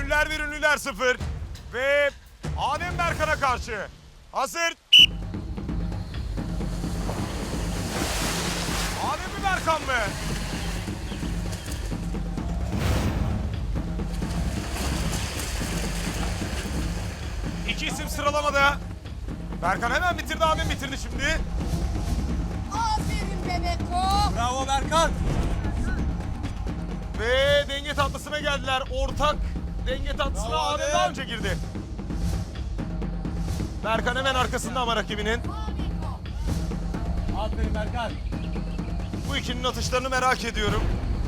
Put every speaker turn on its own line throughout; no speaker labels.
Gönüller 1, ünlüler 0. Ve Adem Berkan'a karşı. Hazır. Adem mi Berkan mı? İki isim sıralamada. Berkan hemen bitirdi, Adem bitirdi şimdi.
Aferin Bebeko.
Bravo Berkan.
Ve denge tatlısına geldiler. Ortak denge tatlısına
Bravo
Adem
Adem.
daha önce girdi. Berkan hemen arkasında ama rakibinin.
Aferin Berkan.
Bu ikinin atışlarını merak ediyorum.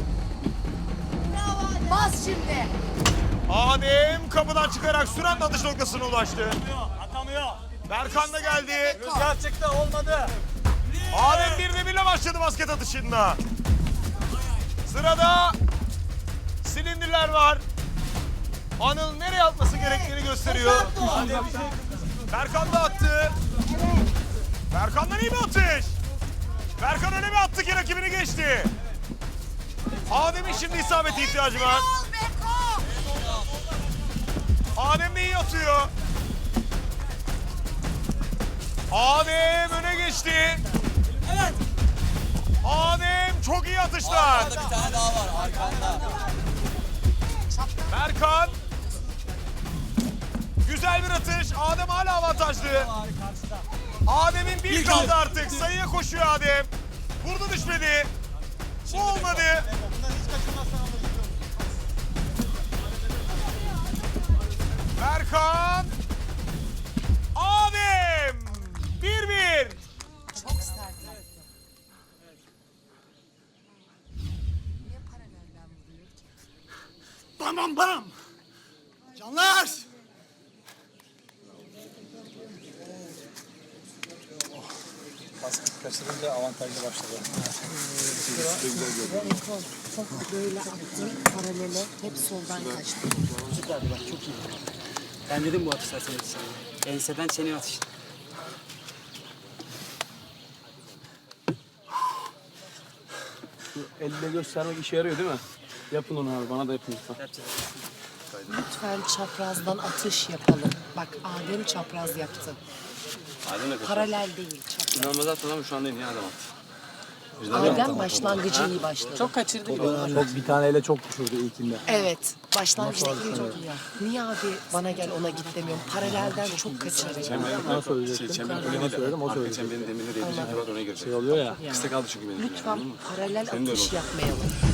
Bas şimdi.
Adem kapıdan çıkarak süren atış noktasına ulaştı.
Atamıyor.
Berkan da geldi.
Rüzgar çıktı olmadı.
Adem 1'de 1'le başladı basket atışında. Sırada silindirler var. Anıl nereye atması gerektiğini gösteriyor. Berkan da attı. Berkan'dan iyi bir atış. Berkan öyle bir attı ki rakibini geçti. Adem'in şimdi isabete ihtiyacı var.
Ol Beko.
Adem de iyi atıyor. Adem öne geçti.
Evet.
Adem çok iyi atışlar.
Bir tane daha var arkanda.
Berkan. Güzel bir atış. Adem hala avantajlı.
Karşıda.
Adem'in bir kaldı artık. Sayıya koşuyor Adem. Vurdu düşmedi. Bu olmadı.
Bundan hiç kaçırmazsan alırız.
Berkan. Adem. 1-1.
Çok sert attı. Niye paralelden vuruyor ki?
Bam bam bam. Canlar.
Basket kaçırınca avantajlı başladı.
Beko çok böyle attı. Paralele hep soldan kaçtı.
Süperdi bak çok iyi. Ben dedim bu atışlar senin atışlar. Enseden senin atış.
Elle göstermek işe yarıyor değil mi? Yapın onu abi, bana da yapın lütfen.
Yapacağız.
Lütfen çaprazdan atış yapalım. Bak Adem çapraz yaptı. Paralel değil çapraz.
İnanılmaz attın ama şu anda en iyi adam attı.
Adem başlangıcı iyi başladı.
Çok kaçırdı.
Çok bir tane ele çok düşürdü ilkinde.
Evet. Başlangıçta çok iyi. Niye abi bana gel ona git demiyorum. Paralelden çok kaçırıyor.
Bana söyleyecektim. Bana söyledim, o söyledi.
Çemberin demirine değdirecek var, oraya girecek.
Şey oluyor ya.
Kısa kaldı çünkü benim.
Lütfen paralel atış yapmayalım.